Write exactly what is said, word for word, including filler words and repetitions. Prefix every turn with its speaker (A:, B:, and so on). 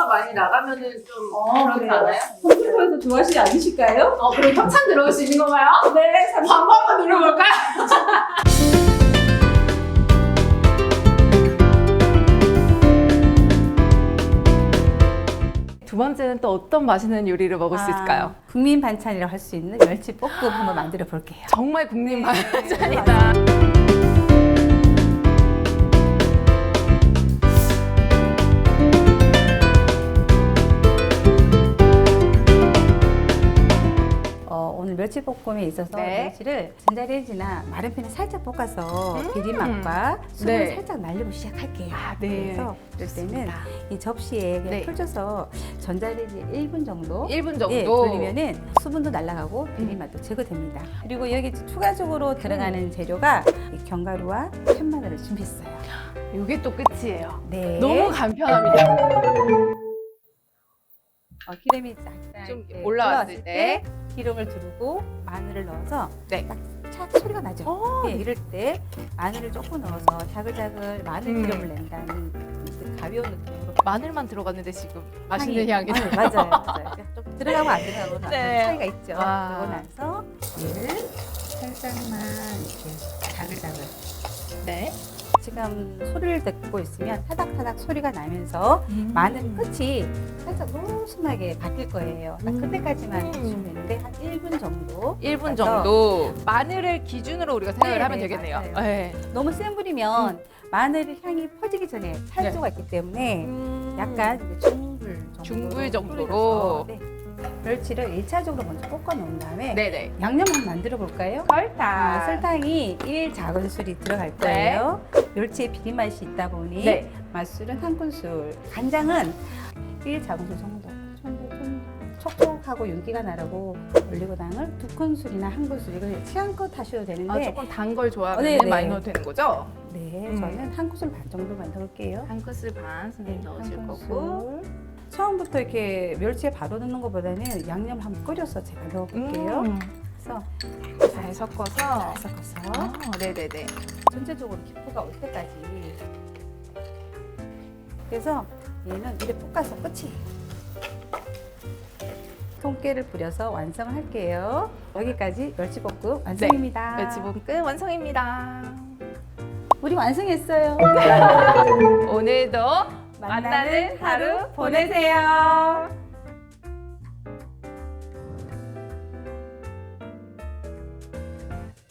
A: 컴퓨터 많이 나가면은 좀
B: 어,
A: 그렇지
B: 그래요?
A: 않아요?
B: 컴퓨터에서 좋아하시지 않으실까요?
A: 어, 그럼 협찬 들어올 수 있는 건가요?
B: 네, 삼십
A: 광고 한번 눌러볼까요? 두 번째는 또 어떤 맛있는 요리를 먹을 수 있을까요?
C: 국민 반찬이라고 할 수 있는 멸치 볶음 한번 만들어 볼게요.
A: 정말 국민
C: 네.
A: 반찬이다.
C: 어, 오늘 멸치볶음에 있어서
A: 네.
C: 멸치를 전자레인지나 마른 팬에 살짝 볶아서
A: 음.
C: 비린맛과 수분을
A: 네.
C: 살짝 날리고 시작할게요.
A: 아, 네.
C: 그래서 그럴 때는 이 접시에 그냥
A: 네.
C: 풀줘서 전자레인지 일 분 정도
A: 일 분 정도?
C: 예, 돌리면은 수분도 날아가고 비린맛도 제거됩니다. 그리고 여기 추가적으로 들어가는 재료가 이 견과류와 편마늘을 준비했어요.
A: 이게 또 끝이에요.
C: 네.
A: 너무 간편합니다.
C: 어, 기름이 쫙
A: 좀
C: 이렇게
A: 올라왔을 때.
C: 기름을 두르고 마늘을 넣어서
A: 네.
C: 딱착 소리가 나죠.
A: 어,
C: 네, 이럴 때 마늘을 조금 넣어서 자글자글 마늘
A: 음.
C: 기름을 낸다는 그 가벼운 느낌으로
A: 마늘만 들어갔는데 지금 맛있는 향이
C: 네, 맞아요, 맞아요. 좀 들어가고 안 들어가고는
A: 네.
C: 차이가 있죠.
A: 와.
C: 그러고 나서 얘를 살짝만 이렇게 자글자글.
A: 네.
C: 지금 소리를 듣고 있으면 타닥타닥 소리가 나면서 마늘 끝이 살짝 노순하게 바뀔 거예요. 딱
A: 음.
C: 그때까지만 해주면 되는데 한 일 분 정도.
A: 일 분
C: 그래서
A: 정도 마늘을 기준으로 우리가 생각을
C: 네,
A: 하면
C: 네,
A: 되겠네요.
C: 맞아요.
A: 네.
C: 너무 센 불이면 마늘 향이 퍼지기 전에 살
A: 네.
C: 수가 있기 때문에
A: 음.
C: 약간 이제 중불 정도로.
A: 중불 정도로.
C: 불려서, 네. 멸치를 일 차적으로 먼저 볶아 놓은 다음에
A: 네네.
C: 양념 한번 만들어 볼까요?
A: 설탕.
C: 아, 설탕이 일 작은술이 들어갈 거예요. 멸치에 비린맛이 있다 보니
A: 네.
C: 맛술은 한 큰술, 간장은 일 작은술 정도. 좀, 좀 촉촉하고 윤기가 나라고 올리고당을 두 큰술이나 한 큰술 이걸 취향껏 하셔도 되는데
A: 아, 조금 단 걸 좋아하면
C: 네, 네.
A: 많이 넣어도 되는 거죠?
C: 네,
A: 음.
C: 저는 한 큰술 반 정도만 넣을게요.
A: 한 큰술 반 선생님 넣으실
C: 한
A: 거고.
C: 큰술. 처음부터 이렇게 멸치에 바로 넣는 것보다는 양념 한번 끓여서 제가 넣어볼게요.
A: 음.
C: 그래서
A: 잘 섞어서.
C: 잘 섞어서
A: 아, 네네네.
C: 전체적으로 기포가 올 때까지. 그래서 얘는 이렇게 볶아서 끝이에요. 통깨를 뿌려서 완성을 할게요. 여기까지 멸치볶음 완성입니다.
A: 멸치볶음 완성입니다.
C: 우리 완성했어요.
A: 오늘도 만나는 하루 보내세요.